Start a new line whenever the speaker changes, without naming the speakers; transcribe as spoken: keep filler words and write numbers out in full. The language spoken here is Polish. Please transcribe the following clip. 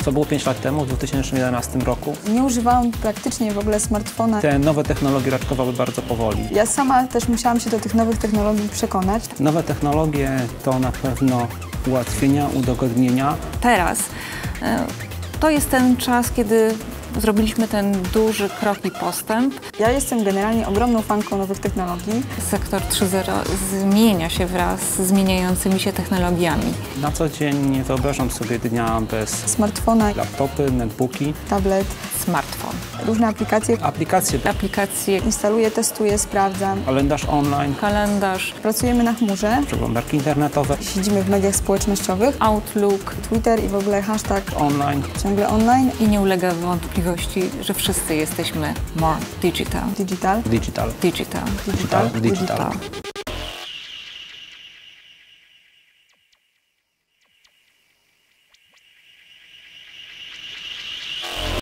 Co było pięć lat temu, w dwa tysiące jedenastym roku?
Nie używałam praktycznie w ogóle smartfona.
Te nowe technologie raczkowały bardzo powoli.
Ja sama też musiałam się do tych nowych technologii przekonać.
Nowe technologie to na pewno ułatwienia, udogodnienia.
Teraz e, to jest ten czas, kiedy zrobiliśmy ten duży krok i postęp.
Ja jestem generalnie ogromną fanką nowych technologii.
Sektor trzy zero zmienia się wraz z zmieniającymi się technologiami.
Na co dzień nie wyobrażam sobie dnia bez
Smartfona,
laptopy, netbooki,
tablet,
Smartfon.
różne aplikacje.
aplikacje,
Aplikacje,
Instaluję, testuję, sprawdzam.
kalendarz online,
kalendarz,
Pracujemy na chmurze,
przeglądarki internetowe,
siedzimy w mediach społecznościowych,
Outlook
Twitter i w ogóle hashtag
online.
ciągle online,
i nie ulega wątpliwości, że wszyscy jesteśmy more digital.
digital,
Digital.
Digital.
digital,
Digital.
digital.